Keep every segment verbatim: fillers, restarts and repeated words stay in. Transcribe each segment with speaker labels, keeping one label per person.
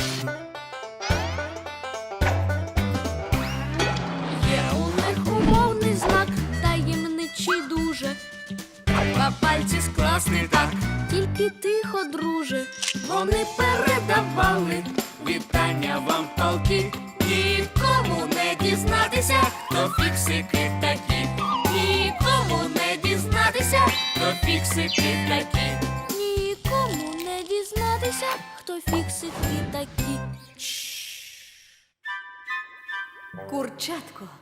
Speaker 1: Є у них умовний знак, таємничий дуже. Два пальці скласти так, тільки тихо, друже. Вони передавали вітання вам полки. Нікому не дізнатися, хто фіксики такі. Нікому не дізнатися, хто фіксики такі. Нікому не дізнатися, хто фіксики такі.
Speaker 2: Курчатко.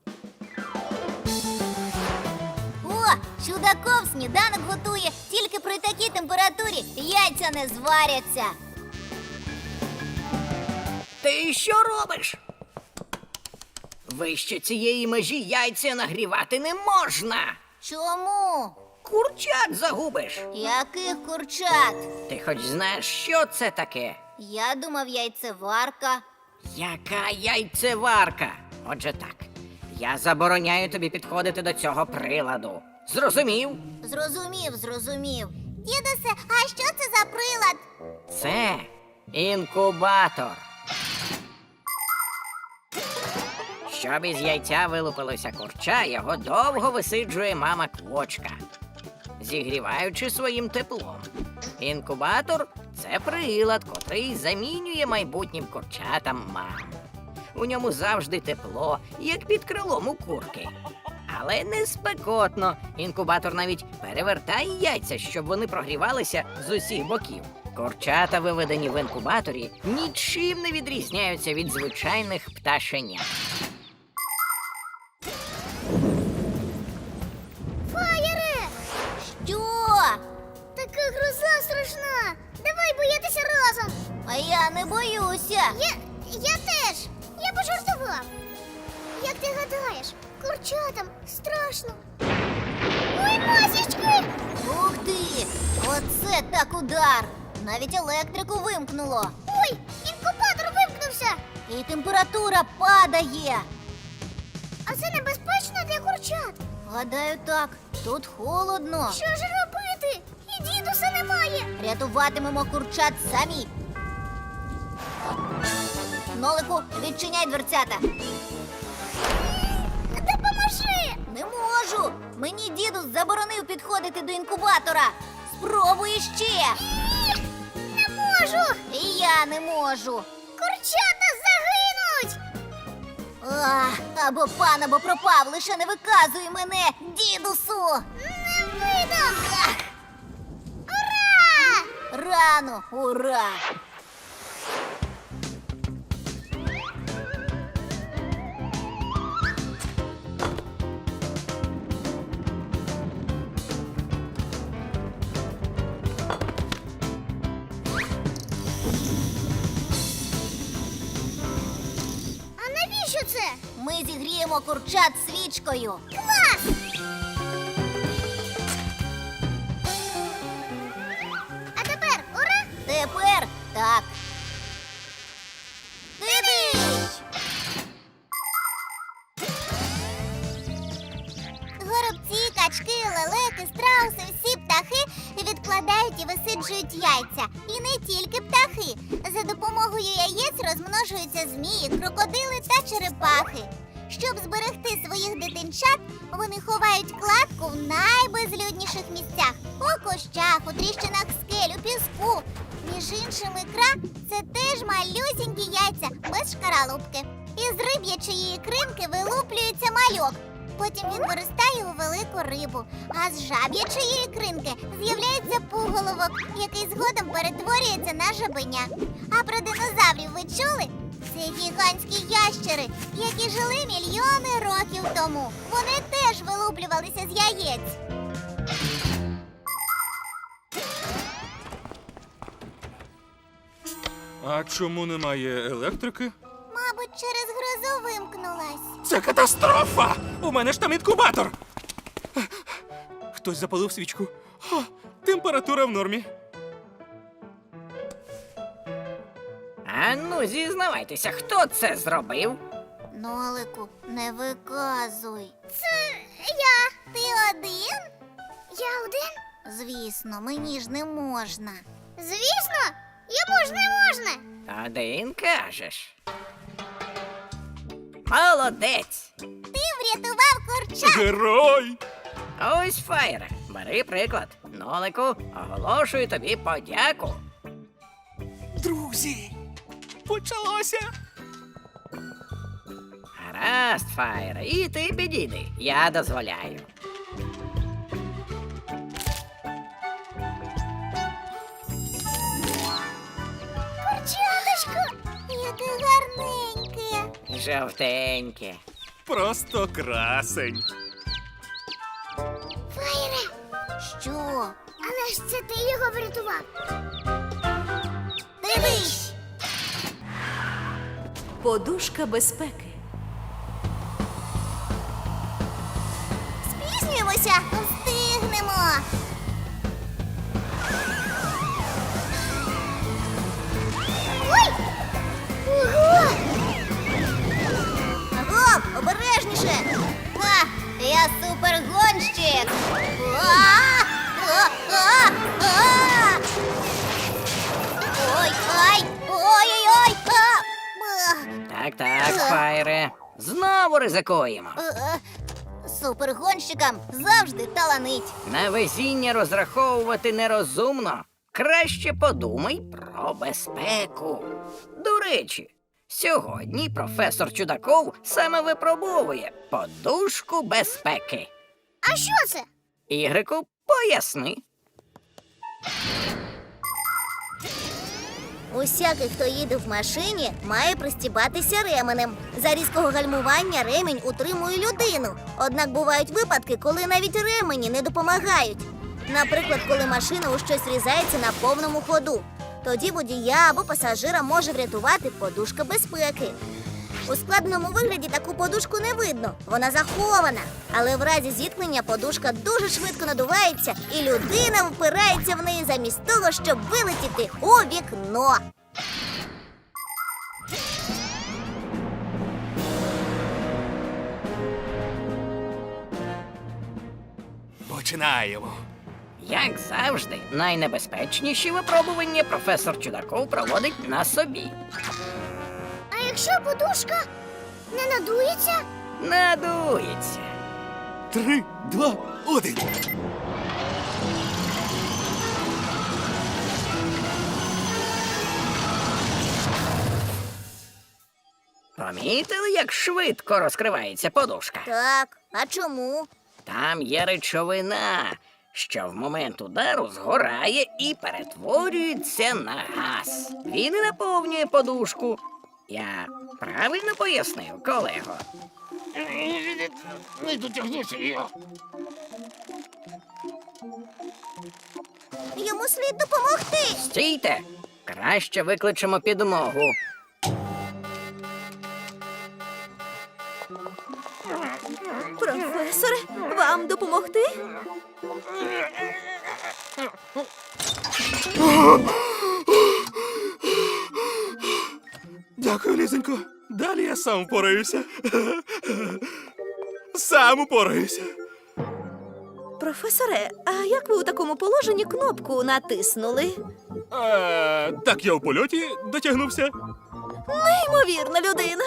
Speaker 3: О, чудаков сніданок готує. Тільки при такій температурі яйця не зваряться.
Speaker 4: Ти що робиш? Вище цієї межі яйця нагрівати не можна.
Speaker 3: Чому?
Speaker 4: Курчат загубиш.
Speaker 3: Яких курчат?
Speaker 4: Ти хоч знаєш, що це таке?
Speaker 3: Я думав, яйцеварка.
Speaker 4: Яка яйцеварка? Отже так, я забороняю тобі підходити до цього приладу. Зрозумів?
Speaker 3: Зрозумів, зрозумів. Дідусе, а що це за прилад?
Speaker 4: Це інкубатор. Щоб із яйця вилупилося курча, його довго висиджує мама квочка, зігріваючи своїм теплом. Інкубатор – це прилад, котрий замінює майбутнім курчатам мам. У ньому завжди тепло, як під крилом у курки. Але не спекотно. Інкубатор навіть перевертає яйця, щоб вони прогрівалися з усіх боків. Курчата, виведені в інкубаторі, нічим не відрізняються від звичайних пташенят.
Speaker 3: Фаєре! Що? Така гроза страшна. Давай боятися разом. А я не боюся. Я, я теж. Я пожартував. Як ти гадаєш, курчатам страшно. Ой, масічки! Ух ти! Оце так удар! Навіть електрику вимкнуло. Ой, інкубатор вимкнувся. І температура падає. А це небезпечно для курчат? Гадаю, так. Тут холодно. Що ж робити? І дідуся немає. Рятуватимемо курчат самі. Нолику, відчиняй дверцята. Допоможи! Не можу. Мені дідусь заборонив підходити до інкубатора. Спробуй ще. Не можу. І я не можу. Курчата загинуть. Ах, або пан, або пропав, лише не виказуй мене, дідусу! Не видам! Ах. Ура! Рано, ура! А навіщо це? Ми зігріємо курчат свічкою. Клас! А тепер ура? Тепер так. Дивись! Горобці, качки, лелеки, страуси, всі птахи відкладають і висиджують яйця. І не тільки птахи. За допомогою яєць розмножуються змії, крокодили та черепахи. Щоб зберегти своїх дитинчат, вони ховають кладку в найбезлюдніших місцях. У кущах, у тріщинах скель, у піску. Між іншим, ікра – це теж малюсінькі яйця без шкаралупки. Із риб'ячої ікринки вилуплюється мальок. Потім він виростає у велику рибу. А з жаб'ячої ікринки з'являється пуголовок, який згодом перетворюється на жабеня. А про динозаврів ви чули? Це гігантські ящери, які жили мільйони років тому. Вони теж вилуплювалися з яєць.
Speaker 5: А чому немає електрики?
Speaker 3: Мабуть, через грозу вимкнулась.
Speaker 5: Це катастрофа! У мене ж там інкубатор! Хтось запалив свічку. О, температура в нормі.
Speaker 4: А ну, зізнавайтеся, хто це зробив?
Speaker 3: Нолику, не виказуй. Це я. Ти один? Я один? Звісно, мені ж не можна. Звісно? Я Чому ж не можна?
Speaker 4: Один кажеш. Молодець!
Speaker 3: Ти врятував курча.
Speaker 5: Герой!
Speaker 4: Ось, Фаєре, бери приклад. Нолику, оголошую тобі подяку.
Speaker 5: Друзі! Почалося!
Speaker 4: Гаразд, Фаєре, і ти підійди. Я дозволяю.
Speaker 3: Курчаточко, яке гарненьке.
Speaker 4: Жовтеньке.
Speaker 5: Просто красень.
Speaker 3: Фаєре. Що? Але ж це ти його врятував. Дивись.
Speaker 2: Подушка безпеки.
Speaker 3: Спізнюємося. Встигнемо. Ой! Ого! Гоп, обережніше! Ха, я супергонщик! А! А! А! А! Ой, ай! Ой-ой-ой! А! Ах!
Speaker 4: Так, так, Фаєре. Знову ризикуємо.
Speaker 3: Е, е, Супергонщикам завжди таланить.
Speaker 4: На везіння розраховувати нерозумно. Краще подумай про безпеку. До речі, сьогодні професор Чудаков саме випробовує подушку безпеки.
Speaker 3: А що це?
Speaker 4: Ігрику, поясни.
Speaker 3: Усякий, хто їде в машині, має пристібатися ременем. За різкого гальмування ремінь утримує людину. Однак бувають випадки, коли навіть ремені не допомагають. Наприклад, коли машина у щось різається на повному ходу. Тоді водія або пасажира може врятувати подушка безпеки. У складеному вигляді таку подушку не видно, вона захована. Але в разі зіткнення подушка дуже швидко надувається, і людина впирається в неї замість того, щоб вилетіти у вікно.
Speaker 5: Починаємо.
Speaker 1: Як завжди, найнебезпечніші випробування професор Чудаков проводить на собі.
Speaker 3: А якщо подушка не надується?
Speaker 1: Надується.
Speaker 5: Три, два, один.
Speaker 1: Помітили, як швидко розкривається подушка?
Speaker 3: Так, а чому?
Speaker 1: Там є речовина, що в момент удару згорає і перетворюється на газ. Він і наповнює подушку. Я правильно пояснив, колего?
Speaker 3: Йому слід допомогти.
Speaker 1: Стійте! Краще викличемо підмогу.
Speaker 2: Професоре, вам допомогти?
Speaker 5: Дякую, Лізонько. Далі я сам впораюся. Сам упораюся.
Speaker 2: Професоре, а як ви у такому положенні кнопку натиснули?
Speaker 5: Е, так я у польоті дотягнувся.
Speaker 2: Неймовірна людина.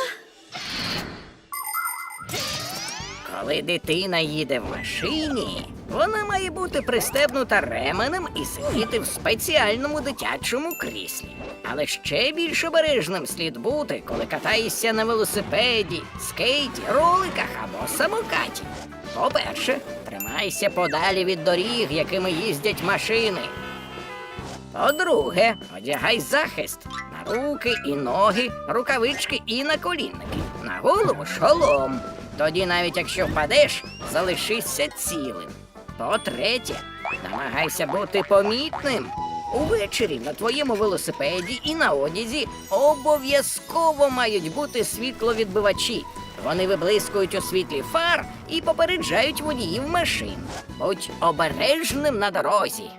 Speaker 1: Коли дитина їде в машині, вона має бути пристебнута ременем і сидіти в спеціальному дитячому кріслі. Але ще більш обережним слід бути, коли катаєшся на велосипеді, скейті, роликах або самокаті. По-перше, тримайся подалі від доріг, якими їздять машини. По-друге, одягай захист на руки і ноги, рукавички і наколінники. На голову шолом. Тоді навіть якщо впадеш, залишишся цілим. По-третє, намагайся бути помітним. Увечері на твоєму велосипеді і на одязі обов'язково мають бути світловідбивачі. Вони виблискують у світлі фар і попереджають водіїв машин. Будь обережним на дорозі.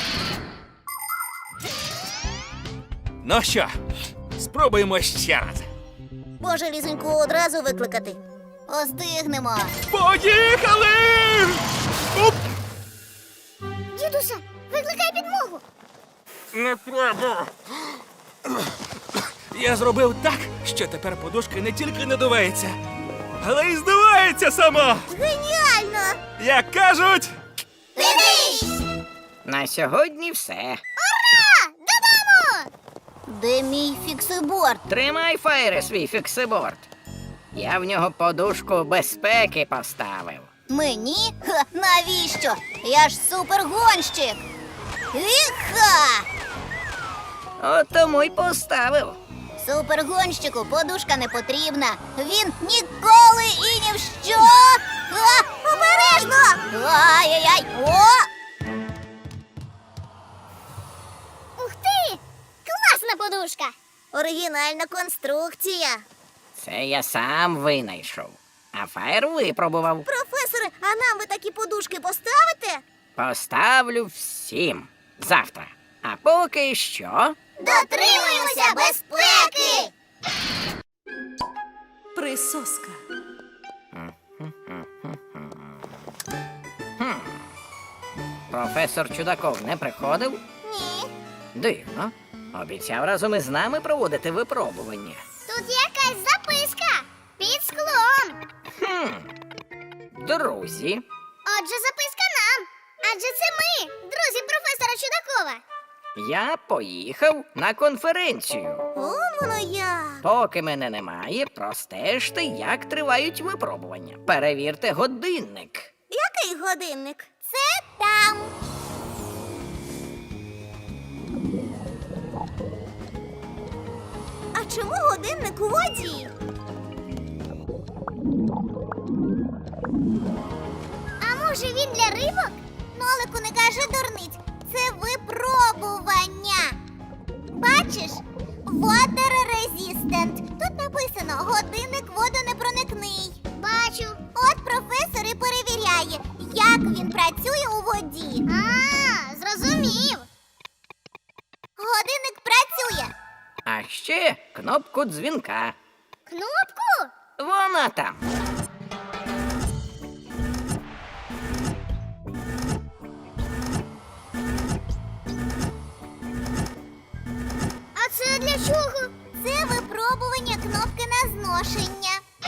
Speaker 5: Ну що, спробуємо ще раз.
Speaker 3: Може, Лізоньку одразу викликати? Остигнемо.
Speaker 5: Поїхали! Оп!
Speaker 3: Дідуся, викликай підмогу.
Speaker 5: Не треба. Я зробив так, що тепер подушка не тільки надувається, але й здувається сама.
Speaker 3: Геніально!
Speaker 5: Як кажуть,
Speaker 3: Дивись!
Speaker 4: На сьогодні все.
Speaker 3: Ура! Додому! Де мій фіксиборд?
Speaker 4: Тримай, Фаєре, свій фіксиборд. Я в нього подушку безпеки поставив.
Speaker 3: Мені? Ха, навіщо? Я ж супергонщик! Іха!
Speaker 4: От тому й поставив.
Speaker 3: Супергонщику подушка не потрібна. Він ніколи і ні в що. А, обережно! Ай-яй-яй! О! Ух ти! Класна подушка! Оригінальна конструкція.
Speaker 4: Це я сам винайшов. А Фаєр випробував.
Speaker 3: Професоре, а нам ви такі подушки поставите?
Speaker 4: Поставлю всім завтра. А поки що.
Speaker 3: Дотримуємося безпеки!
Speaker 2: Присоска.
Speaker 4: Професор Чудаков не приходив?
Speaker 3: Ні.
Speaker 4: Дивно. Обіцяв разом із нами проводити випробування.
Speaker 3: Тут якась записка під склом.
Speaker 4: Хм. Друзі,
Speaker 3: Отже, записка нам. Адже це ми, друзі професора Чудакова.
Speaker 4: я поїхав на конференцію.
Speaker 3: О, воно як.
Speaker 4: Поки мене немає, простежте, як тривають випробування. Перевірте годинник.
Speaker 3: Який годинник? Це там. А чому годинник у воді? А може він для рибок? Нолику, не кажи дурниць. Це випробування. Бачиш? Water resistant. Тут написано годинник водонепроникний. Бачу. От професор і перевіряє, як він працює у воді. А, зрозумів. Годинник працює.
Speaker 4: А ще кнопку дзвінка.
Speaker 3: Кнопку?
Speaker 4: Вона там.
Speaker 3: А це для чого? Це випробування кнопки на зношення.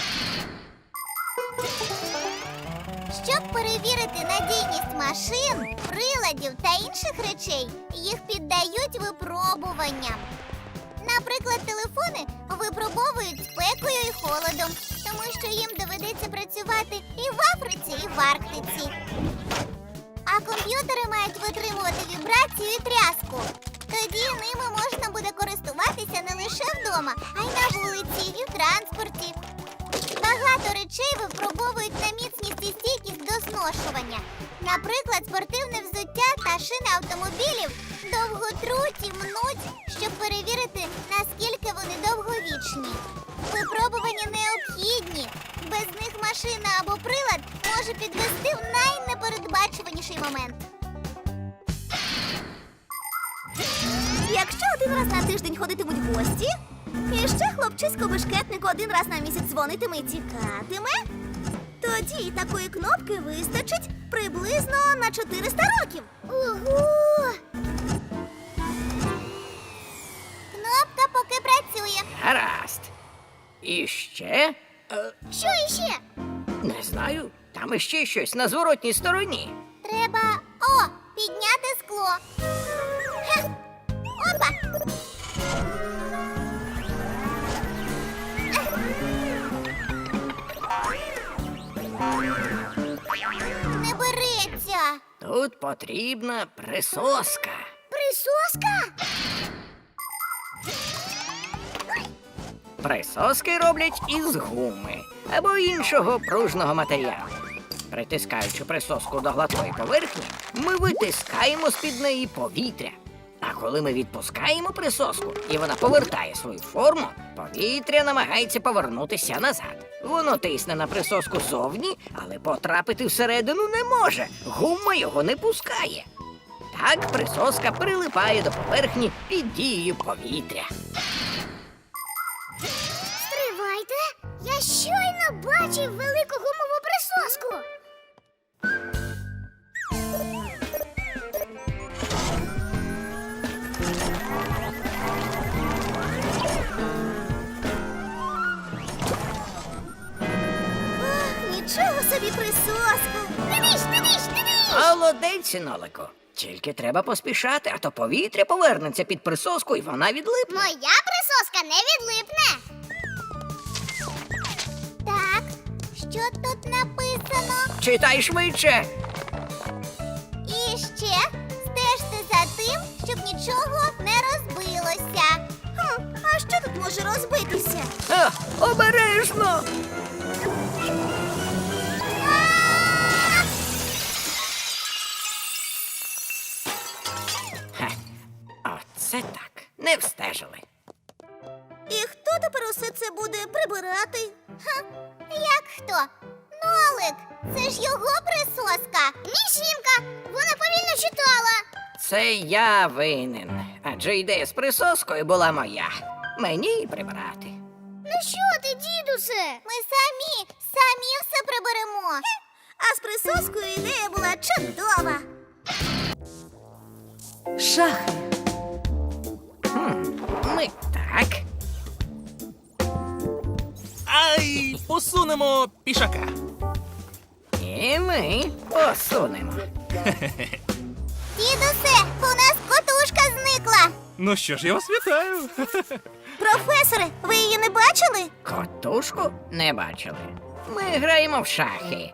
Speaker 3: Щоб перевірити надійність машин, приладів та інших речей, їх піддають випробуванням. Наприклад, телефони випробовують спекою і холодом, тому що їм доведеться працювати і в Африці, і в Арктиці. А комп'ютери мають витримувати вібрацію і тряску. Тоді ними можна буде користуватися не лише вдома, а й на вулиці і в транспорті. Багато речей випробовують на міцність і стійкість до зношування. Наприклад, спортивне взуття та шини автомобілів довго труть і мнуть, щоб перевірити, наскільки вони довговічні. Випробування необхідні. Без них машина або прилад може підвести в найнепередбачуваніший момент. Якщо один раз на тиждень ходитимуть гості, і ще хлопчисько-бешкетник один раз на місяць дзвонитиме і тікатиме, тоді такої кнопки вистачить приблизно на чотириста років. Ого! Кнопка поки працює.
Speaker 4: Гаразд. І ще. Е,
Speaker 3: Що іще?
Speaker 4: не знаю. Там іще щось на зворотній стороні.
Speaker 3: Треба, о, підняти скло. Хе. Опа! Не береться.
Speaker 4: Тут потрібна присоска.
Speaker 3: Присоска?
Speaker 4: Присоски роблять із гуми або іншого пружного матеріалу. Притискаючи присоску до гладкої поверхні, ми витискаємо з-під неї повітря. А коли ми відпускаємо присоску і вона повертає свою форму, повітря намагається повернутися назад. Воно тисне на присоску зовні, але потрапити всередину не може. Гума його не пускає. Так присоска прилипає до поверхні під дією повітря.
Speaker 3: Стривайте! Я щойно бачив велику гумову присоску. присоска. Дидиш, дидиш, дидиш.
Speaker 1: Молодець, Нолику. Тільки треба поспішати, а то повітря повернеться під присоску і вона відлипне.
Speaker 3: Моя присоска не відлипне. Так, що тут написано?
Speaker 1: Читай швидше.
Speaker 3: І ще стежте за тим, щоб нічого не розбилося. Хм, а що тут може розбитися?
Speaker 1: А, обережно. Ха, оце так. Не встежили.
Speaker 2: І хто тепер усе це буде прибирати?
Speaker 3: Ха, як хто? Нолик, це ж його присоска. Мішімка, вона повільно читала.
Speaker 1: Це я винен. Адже ідея з присоскою була моя. Мені й прибрати.
Speaker 3: Ну що ти, дідусе? Ми самі, самі все приберемо.
Speaker 2: А з присоскою ідея була чудова. Шахи.
Speaker 1: Хм, ми так.
Speaker 5: Ай, посунемо пішака.
Speaker 1: І ми посунемо.
Speaker 3: Дідусе, у нас котушка зникла.
Speaker 5: Ну що ж, я вас вітаю.
Speaker 2: Професоре, ви її не бачили?
Speaker 1: Котушку не бачили. Ми граємо в шахи.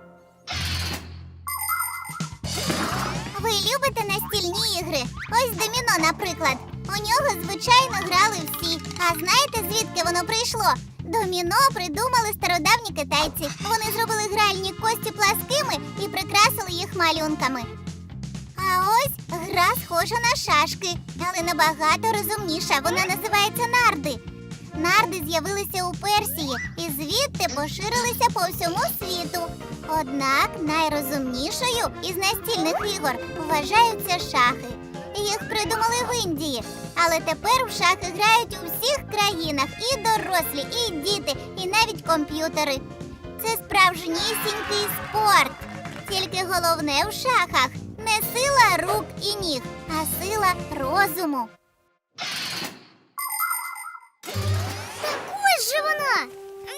Speaker 3: Ви любите настільні ігри? Ось доміно, наприклад. У нього, звичайно, грали всі. А знаєте, звідки воно прийшло? Доміно придумали стародавні китайці. Вони зробили гральні кості пласкими і прикрасили їх малюнками. А ось гра схожа на шашки, але набагато розумніша. Вона називається нарди. Нарди з'явилися у Персії і звідти поширилися по всьому світу. Однак найрозумнішою із настільних ігор вважаються шахи. Їх придумали в Індії, але тепер в шахи грають у всіх країнах і дорослі, і діти, і навіть комп'ютери. Це справжнісінький спорт. Тільки головне в шахах не сила рук і ніг, а сила розуму. Ось же вона!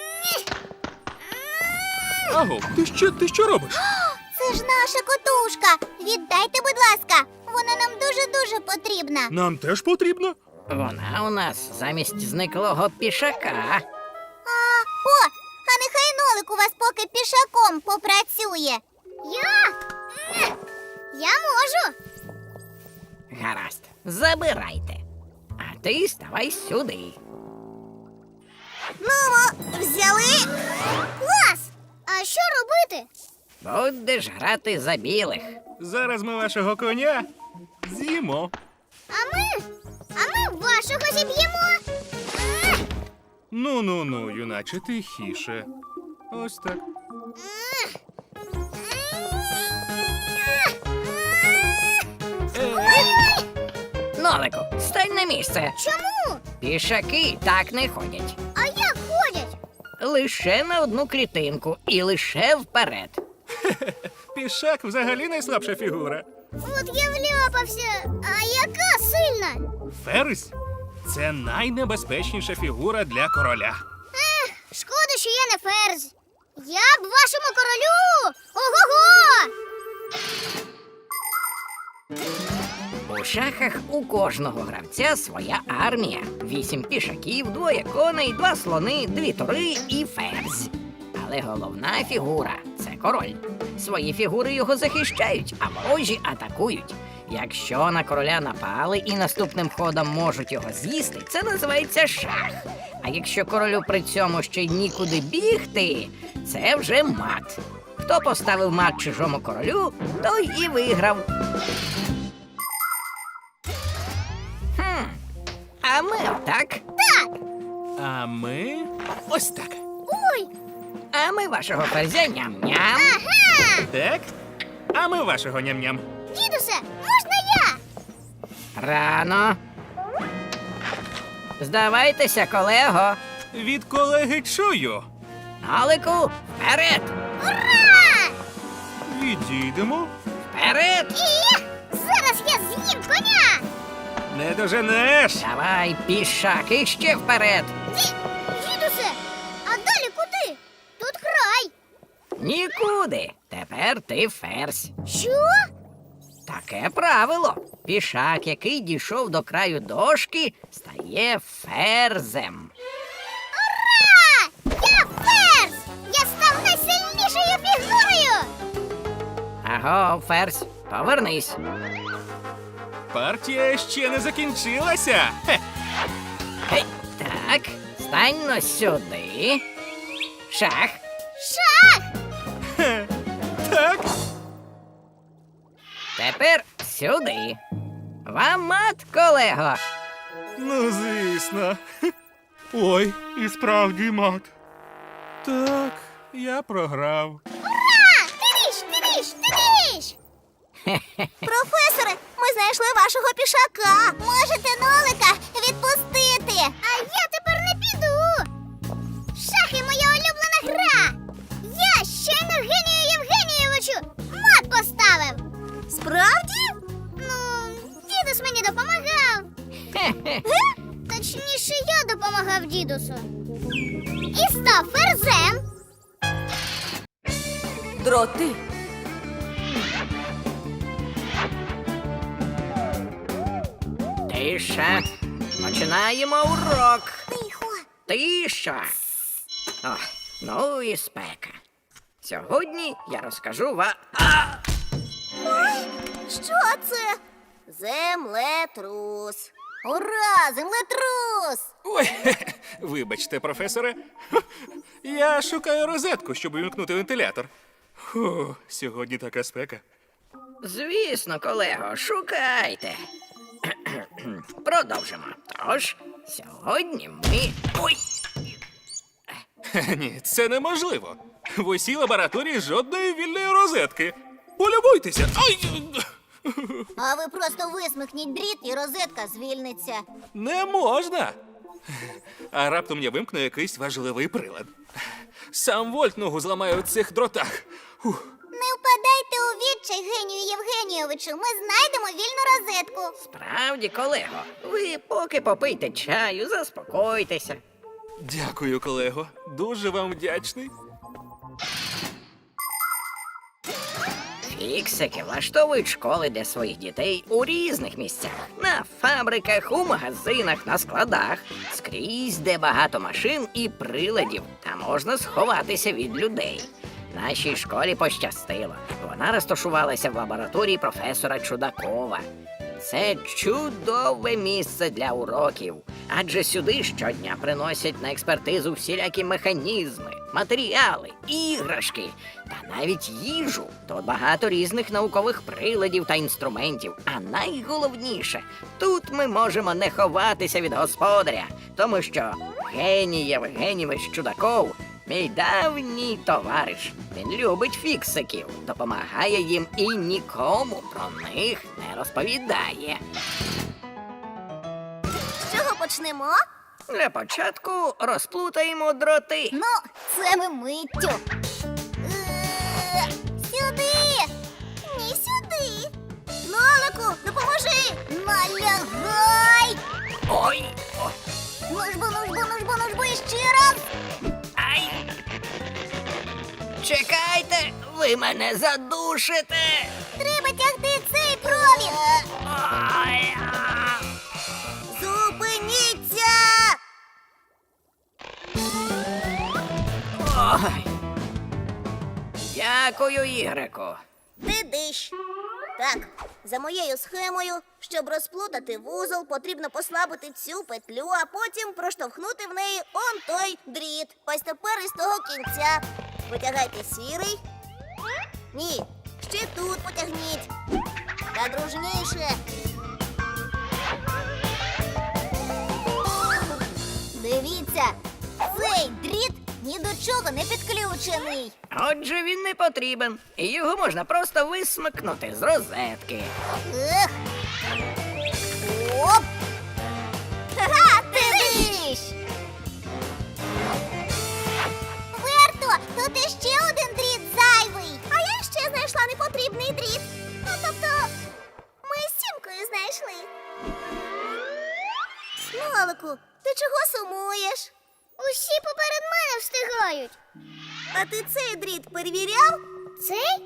Speaker 5: Аго, ти що, ти що робиш?
Speaker 3: Це ж наша котушка! Віддайте, будь ласка! Вона нам дуже-дуже потрібна.
Speaker 5: Нам теж потрібно.
Speaker 1: Вона у нас замість зниклого пішака.
Speaker 3: А, о, а нехай Нолик у вас поки пішаком попрацює. Я? Я можу.
Speaker 1: Гаразд, забирайте. А ти ставай сюди.
Speaker 2: Ну, взяли.
Speaker 3: Клас! А що робити?
Speaker 1: Будеш грати за білих.
Speaker 5: Зараз ми вашого коня з'їмо.
Speaker 3: А ми? А ми вашого зіб'ємо.
Speaker 5: Ну-ну-ну, юначе, тихіше. Ось так.
Speaker 1: Нолику, стань на місце.
Speaker 3: Чому?
Speaker 1: Пішаки так не ходять.
Speaker 3: А як ходять?
Speaker 1: Лише на одну клітинку і лише вперед.
Speaker 5: Пішак взагалі найслабша фігура.
Speaker 3: От я вляпався. А яка сильна?
Speaker 5: Ферзь – це найнебезпечніша фігура для короля.
Speaker 3: Ех, шкода, що я не ферзь. Я б вашому королю. Ого-го!
Speaker 1: У шахах у кожного гравця своя армія. Вісім пішаків, двоє коней, два слони, дві тури і ферзь. Але головна фігура – це король. Свої фігури його захищають, а ворожі атакують. Якщо на короля напали і наступним ходом можуть його з'їсти, це називається шах. А якщо королю при цьому ще й нікуди бігти, це вже мат. Хто поставив мат чужому королю, той і виграв. Хм, а ми так,
Speaker 5: А ми ось так.
Speaker 3: Ой,
Speaker 1: а ми вашого ферзя ням-ням.
Speaker 3: ага!
Speaker 5: Так? А ми вашого ням-ням.
Speaker 3: Дідусе, можна я?
Speaker 1: Рано. Здавайтеся, колего.
Speaker 5: Від колеги чую.
Speaker 1: Нолику, вперед!
Speaker 3: Ура!
Speaker 5: Відійдемо.
Speaker 1: Вперед!
Speaker 3: І зараз я з'їм коня!
Speaker 5: Не доженеш.
Speaker 1: Давай, пішак, іще вперед.
Speaker 3: Ді... Дідусе, а далі куди? Тут край.
Speaker 4: Нікуди. Тепер ти ферзь.
Speaker 3: Що?
Speaker 4: Таке правило. Пішак, який дійшов до краю дошки, стає ферзем.
Speaker 3: Ура! Я ферзь! Я став найсильнішою фігурою!
Speaker 4: Аго, ферзь, повернись.
Speaker 5: Партія ще не закінчилася. Хе.
Speaker 4: Гей, так, стань но сюди. Шах.
Speaker 3: Шах!
Speaker 5: Хе. Так.
Speaker 4: Тепер сюди. Вам мат, колего.
Speaker 5: Ну, звісно. Хе. Ой, і справді мат. Так, я програв.
Speaker 3: Ура! Тиріш, тиріш, тиріш! Професоре, ми знайшли вашого пішака. Можете нолика відпустити. А я тепер не піду. Шахи моя улюблена гра. Я щойно Генію Євгенійовичу мат поставив. Справді? Ну, дідусь мені допомагав. Точніше, я допомагав дідусу. І став ферзем.
Speaker 2: Дроти.
Speaker 4: Тиша. Починаємо урок.
Speaker 3: Тихо.
Speaker 4: Тиша. О, ну і спека. Сьогодні я розкажу вам.
Speaker 3: Ой, що це? Землетрус. Ура, землетрус!
Speaker 5: Ой, хе-хе. Вибачте, професоре. Я шукаю розетку, щоб увімкнути вентилятор. Фу, сьогодні така спека.
Speaker 4: Звісно, колего, шукайте. Продовжимо. Тож, сьогодні ми. Ой!
Speaker 5: Хе, Ні, це неможливо. В усій лабораторії жодної вільної розетки. Полюбуйтеся. Ай!
Speaker 3: А ви просто висмикніть дріт і розетка звільниться.
Speaker 5: Не можна. А раптом я вимкну якийсь важливий прилад. Сам вольт ногу зламаю в цих дротах. Фух.
Speaker 3: Не впадайте у відчай, Генію Євгенійовичу. Ми знайдемо вільну розетку.
Speaker 4: Справді, колего, ви поки попийте чаю, заспокойтеся.
Speaker 5: Дякую, колего. Дуже вам вдячний.
Speaker 4: Фіксики влаштовують школи для своїх дітей у різних місцях. На фабриках, у магазинах, на складах. Скрізь, де багато машин і приладів, та можна сховатися від людей. Нашій школі пощастило. Вона розташувалася в лабораторії професора Чудакова. Це чудове місце для уроків, адже сюди щодня приносять на експертизу всілякі механізми, матеріали, іграшки та навіть їжу. Тут багато різних наукових приладів та інструментів. А найголовніше, тут ми можемо не ховатися від господаря, тому що Геній Євгенійович Чудаков – мій давній товариш. Він любить фіксиків, допомагає їм і нікому про них не розповідає.
Speaker 3: З чого почнемо?
Speaker 4: Для початку розплутаємо дроти.
Speaker 3: Ну, це ми миттю. Е, Сюди! Ні, сюди. Нолику, допоможи! Налягай!
Speaker 4: Ой! О,
Speaker 3: Нужбу, нужбу, нужбу, нужбу і ще раз!
Speaker 4: ай! Чекайте, ви мене задушите!
Speaker 3: Треба тягти цей провід!
Speaker 4: Ой! а!
Speaker 3: Зупиніться!
Speaker 4: Ой! Дякую, Ігрику.
Speaker 6: Ти диш. Так, за моєю схемою, щоб розплутати вузол, потрібно послабити цю петлю, а потім проштовхнути в неї он той дріт. Ось тепер із того кінця. Потягайте сірий. Ні, ще тут потягніть. Та дружніше.
Speaker 3: Дивіться, цей дріт ні до чого не підключений.
Speaker 4: Отже, він не потрібен, і його можна просто висмикнути з розетки.
Speaker 3: Ех. Оп! Ха-ха, ти диш! Верто, тут іще один дріт зайвий. А я ще знайшла непотрібний дріт. Ну, тобто, ми з Сімкою знайшли.
Speaker 6: Нолику, ти чого сумуєш?
Speaker 3: Усі поперед мене встигають.
Speaker 6: А ти цей дріт перевіряв?
Speaker 3: Цей?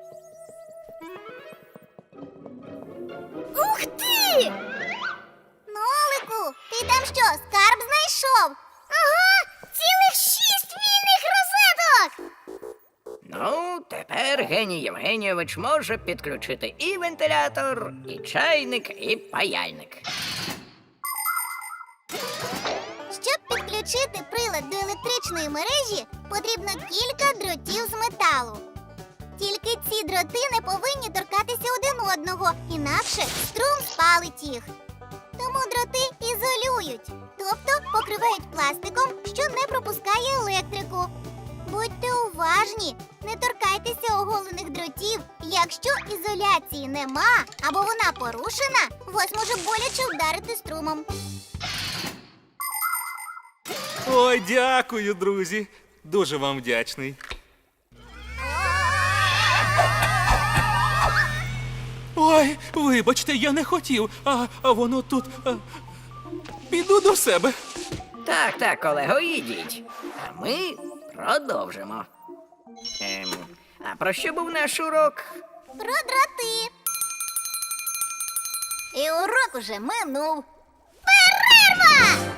Speaker 3: Ух ти! Нолику, ти там що, скарб знайшов? Ага, цілих шість вільних розеток!
Speaker 4: Ну, тепер Геній Євгенійович може підключити і вентилятор, і чайник, і паяльник.
Speaker 3: Щоб підключити прилад до електричної мережі, потрібно кілька дротів з металу. Тільки ці дроти не повинні торкатися один одного, інакше струм спалить їх. Тому дроти ізолюють, тобто покривають пластиком, що не пропускає електрику. Будьте уважні, не торкайтеся оголених дротів. Якщо ізоляції нема або вона порушена, вас може боляче вдарити струмом.
Speaker 5: Ой, дякую, друзі. Дуже вам вдячний. Ой, вибачте, я не хотів, а, а воно тут. А... Піду до себе.
Speaker 4: Так, так, колего, ідіть. А ми продовжимо. Ем, а про що був наш урок?
Speaker 3: Про дроти. І урок уже минув. Перерва!